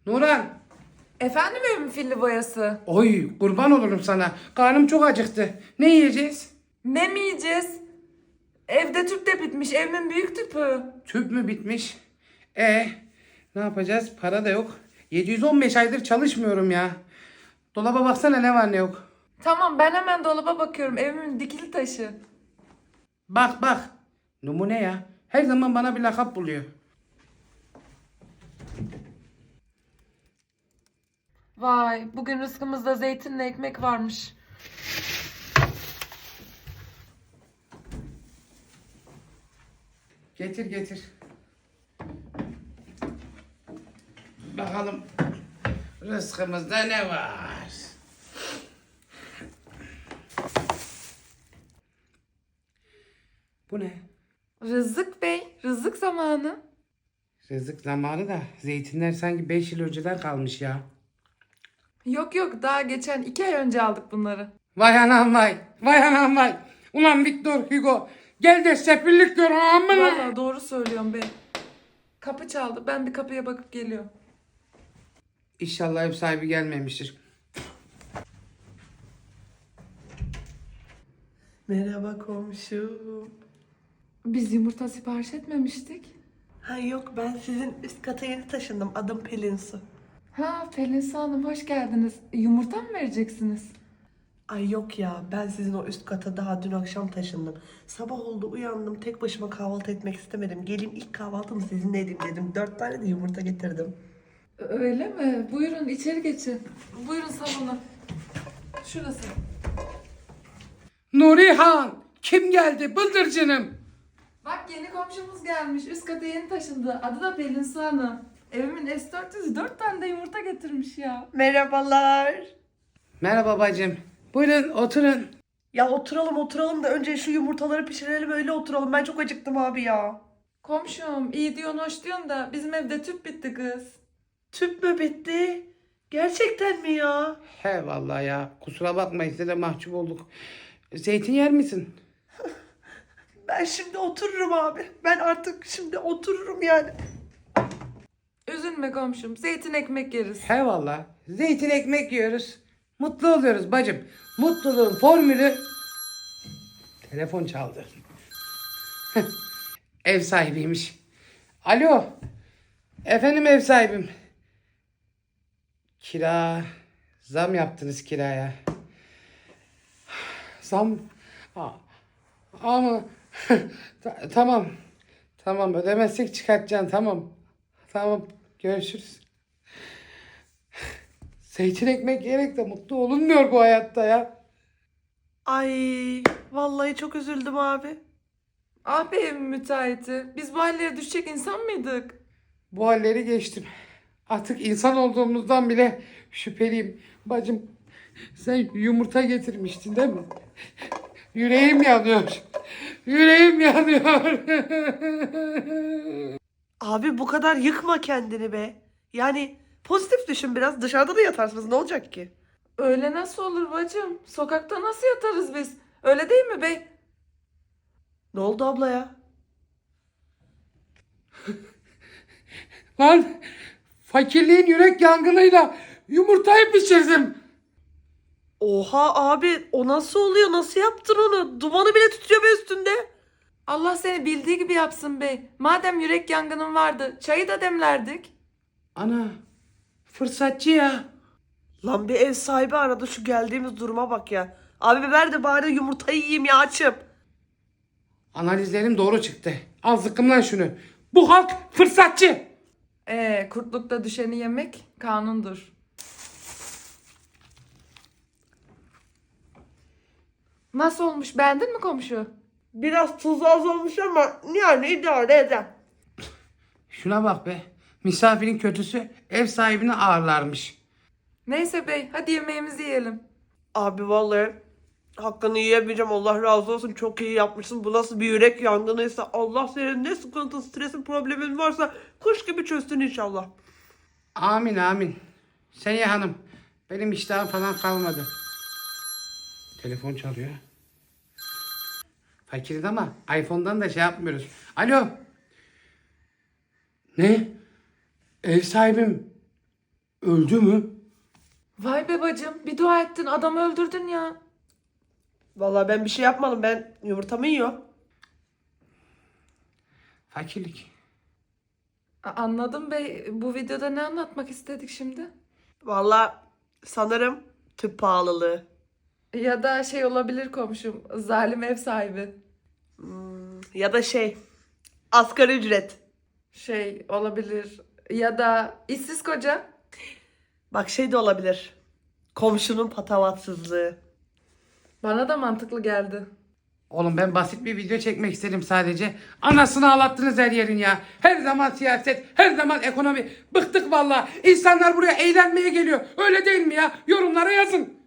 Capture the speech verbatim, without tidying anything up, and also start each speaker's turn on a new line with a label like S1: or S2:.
S1: Nurhan.
S2: Efendim evimin filli boyası?
S1: Oy kurban olurum sana. Karnım çok acıktı. Ne yiyeceğiz?
S2: Ne mi yiyeceğiz? Evde tüp de bitmiş. Evimin büyük tüpü.
S1: Tüp mü bitmiş? E ne yapacağız? Para da yok. yedi yüz on beş aydır çalışmıyorum ya. Dolaba baksana ne var ne yok.
S2: Tamam ben hemen dolaba bakıyorum. Evimin dikili taşı.
S1: Bak bak. Numune ya. Her zaman bana bir lakap buluyor.
S2: Vay bugün rızkımızda zeytinle ekmek varmış.
S1: Getir getir. Bakalım rızkımızda ne var? Bu ne?
S2: Rızık Bey, rızık zamanı.
S1: Rızık zamanı da zeytinler sanki beş yıl önceden kalmış ya.
S2: Yok yok daha geçen iki ay önce aldık bunları.
S1: Vay anam vay. Vay anam vay. Ulan Victor Hugo. Gel de sefillik gör amına.
S2: Vallahi doğru söylüyorum bey. Kapı çaldı. Ben bir kapıya bakıp geliyorum.
S1: İnşallah ev sahibi gelmemiştir.
S3: Merhaba komşum.
S2: Biz yumurta sipariş etmemiştik.
S3: Ha yok ben sizin üst kata yeni taşındım. Adım Pelin Su.
S2: Ha Pelin Hanım hoş geldiniz. Yumurta mı vereceksiniz?
S3: Ay yok ya ben sizin o üst kata daha dün akşam taşındım. Sabah oldu uyandım tek başıma kahvaltı etmek istemedim. Gelin ilk kahvaltımı sizinle edeyim dedim. Dört tane de yumurta getirdim.
S2: Öyle mi? Buyurun içeri geçin. Buyurun salona. Şurası.
S1: Nurihan. Kim geldi? Bıldırcınım.
S2: Bak yeni komşumuz gelmiş. Üst kata yeni taşındı. Adı da Pelin Su Hanım. Evimin S dört yüzü dört tane de yumurta getirmiş ya.
S3: Merhabalar.
S1: Merhaba bacım. Buyurun oturun.
S3: Ya oturalım oturalım da önce şu yumurtaları pişirelim öyle oturalım. Ben çok acıktım abi ya.
S2: Komşum iyi diyorsun hoş diyorsun da bizim evde tüp bitti kız.
S3: Tüp mü bitti? Gerçekten mi ya?
S1: He vallahi ya. Kusura bakma size de mahcup olduk. Zeytin yer misin?
S3: Ben şimdi otururum abi. Ben artık şimdi otururum yani.
S2: Üzülme komşum. Zeytin ekmek yeriz.
S1: He vallahi. Zeytin ekmek yiyoruz. Mutlu oluyoruz bacım. Mutluluğun formülü... Telefon çaldı. Ev sahibiymiş. Alo. Efendim ev sahibim. Kira. Zam yaptınız kiraya. Zam. A- Ama Ta- tamam. Tamam ödemezsek çıkartacaksın tamam. Tamam görüşürüz. Zeytin ekmek yiyerek de mutlu olunmuyor bu hayatta ya.
S3: Ay vallahi çok üzüldüm abi.
S2: Ah be evin müteahhiti. Biz bu hallere düşecek insan mıydık?
S1: Bu halleri geçtim. Artık insan olduğumuzdan bile şüpheliyim. Bacım sen yumurta getirmiştin değil mi? Yüreğim yanıyor. Yüreğim yanıyor.
S3: Abi bu kadar yıkma kendini be. Yani pozitif düşün biraz. Dışarıda da yatarsınız ne olacak ki?
S2: Öyle nasıl olur bacım? Sokakta nasıl yatarız biz? Öyle değil mi bey?
S3: Ne oldu abla ya?
S1: Lan fakirliğin yürek yangınıyla yumurtayı pişirdim.
S3: Oha abi o nasıl oluyor? Nasıl yaptın onu? Dumanı bile tutuyor be üstünde.
S2: Allah seni bildiği gibi yapsın bey. Madem yürek yangının vardı, çayı da demlerdik.
S1: Ana fırsatçı ya.
S3: Lan bir ev sahibi aradı şu geldiğimiz duruma bak ya. Abi ver de bari yumurtayı yiyeyim ya açım.
S1: Analizlerim doğru çıktı. Al zıkkım lan şunu. Bu halk fırsatçı.
S2: Ee, kurtlukta düşeni yemek kanundur. Nasıl olmuş? Beğendin mi komşu?
S3: Biraz tuz az olmuş ama yani idare eder.
S1: Şuna bak be. Misafirin kötüsü ev sahibini ağırlarmış.
S2: Neyse bey, hadi yemeğimizi yiyelim.
S3: Abi vallahi hakkını yiyemeyeceğim. Allah razı olsun. Çok iyi yapmışsın. Bu nasıl bir yürek yangınıysa Allah senin ne sıkıntı, stresin, problemin varsa kuş gibi çözsün inşallah.
S1: Amin amin. Sen ya hanım. Benim iştahım falan kalmadı. Telefon çalıyor. Fakiriz ama iPhone'dan da şey yapmıyoruz. Alo. Ne? Ev sahibim Öldü mü?
S2: Vay be bacım, bir dua ettin, adamı öldürdün ya.
S3: Vallahi ben bir şey yapmadım. Ben yumurtamı yiyorum.
S1: Fakirlik.
S2: A- Anladım bey, bu videoda ne anlatmak istedik şimdi?
S3: Vallahi sanırım tüp pahalılığı.
S2: Ya da şey olabilir komşum, zalim ev sahibi.
S3: Ya da şey, asgari ücret.
S2: Şey olabilir ya da işsiz koca.
S3: Bak şey de olabilir. Komşunun patavatsızlığı.
S2: Bana da mantıklı geldi.
S1: Oğlum ben basit bir video çekmek istedim sadece. Anasını ağlattınız her yerin ya. Her zaman siyaset, her zaman ekonomi. Bıktık vallahi. İnsanlar buraya eğlenmeye geliyor. Öyle değil mi ya? Yorumlara yazın.